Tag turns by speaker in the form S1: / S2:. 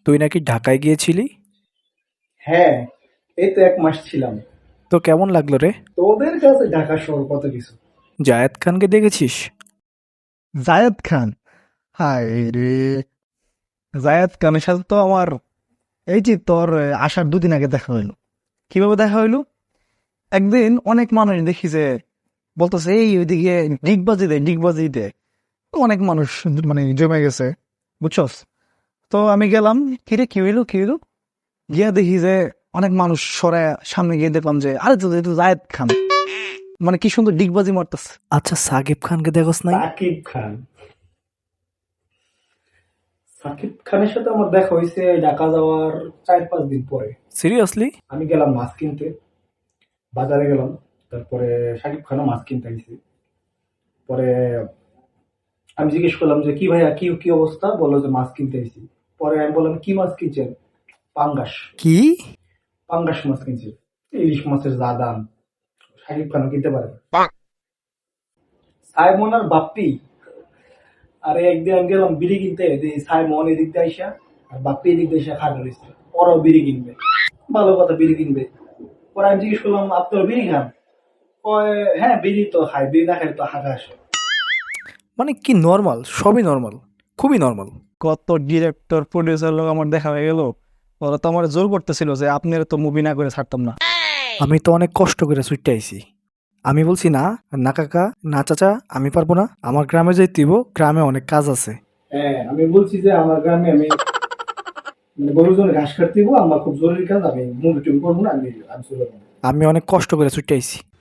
S1: তুই নাকি ঢাকায় গিয়েছিলি?
S2: হ্যাঁ, এই তো 1 মাস ছিলাম।
S1: তো কেমন লাগলো রে?
S2: তোদের কাছে ঢাকা শহর কত কিছু।
S1: জায়েদ খানকে দেখেছিস?
S3: জায়েদ খান, হায় রে! জায়েদ খানের সাথে তো আমার এই যে তোর আসার 2 দিন আগে দেখা হইলো। কিভাবে দেখা হইলো? একদিন অনেক মানুষ দেখি যে বলতেছে এই ওইদিকে ডিগবাজি দে। অনেক মানুষ মানে জমে গেছে, বুঝছস? তো আমি গেলাম, কিরে কি হইলো, গিয়া দেখি যে অনেক মানুষ সরায় সামনে গিয়ে দেখলাম যে আরে তো এটা তো জায়েদ খান, মানে কি সুন্দর ডিগবাজি মারতেছে।
S1: আচ্ছা, সাকিব খানকে দেখোস নাই?
S2: সাকিব খান, সাকিব খানের সাথে আমার দেখা হয়েছে ঢাকা যাওয়ার 4-5 দিন পরে।
S1: সিরিয়াসলি?
S2: আমি গেলাম মাছ কিনতে, বাজারে গেলাম। তারপরে সাকিব খানও মাছ কিনতে গেছি। পরে আমি জিজ্ঞেস করলাম যে কি ভাইয়া, কি কি অবস্থা, বললো যে মাছ কিনতে গেছি। পরে আমি বললাম কি মাছ কিনছেন? পাঙ্গাস।
S1: কি?
S2: পাঙ্গাস মাছ কিনছি। ইলিশ মাছের যা দাম, সাকিব খানও কিনতে পারে না। সাইমন আর বাপ্পি, আরে একদিন আমি গেলাম বিড়ি কিনতে, যে সাইমন এদিক দিয়ে আইসা আর বাপ্পি এদিক দিয়ে আইসা খাড়া রয়েছে। ওরাও বিড়ি কিনবে, ভালো কথা, বিড়ি কিনবে। পরে আমি জিজ্ঞেস করলাম আপনার বিড়ি খান? কয় হ্যাঁ বিড়ি তো খাই, বিড়ি না খাই তো হাঁকা আসে।
S1: মানে কি নর্মাল, সবই নর্মাল, খুবই নর্মাল।
S3: কত ডিরেক্টর প্রডিউসার লোক আমার দেখা হয়ে গেল, ওরা তো আমার জোর করতেছিল যে আপনার তো মুভি না করে ছাড়তাম না।
S1: আমি তো অনেক কষ্ট করে ছুটে আইছি। আমি বলছি না, না কাকা, না চাচা, আমি পারবো না, আমার গ্রামে যাইতে হইব, গ্রামে অনেক কাজ আছে।
S2: হ্যাঁ আমি বলছি যে আমার গ্রামে আমি মানে গরুর জন্য ঘাস কাটতে দিব, আমার খুব জরুরি কাজ, আমি মুভি টুভি করবো না, আমি আমি চলে যাবো।
S1: আমি অনেক কষ্ট করে ছুটে আইছি।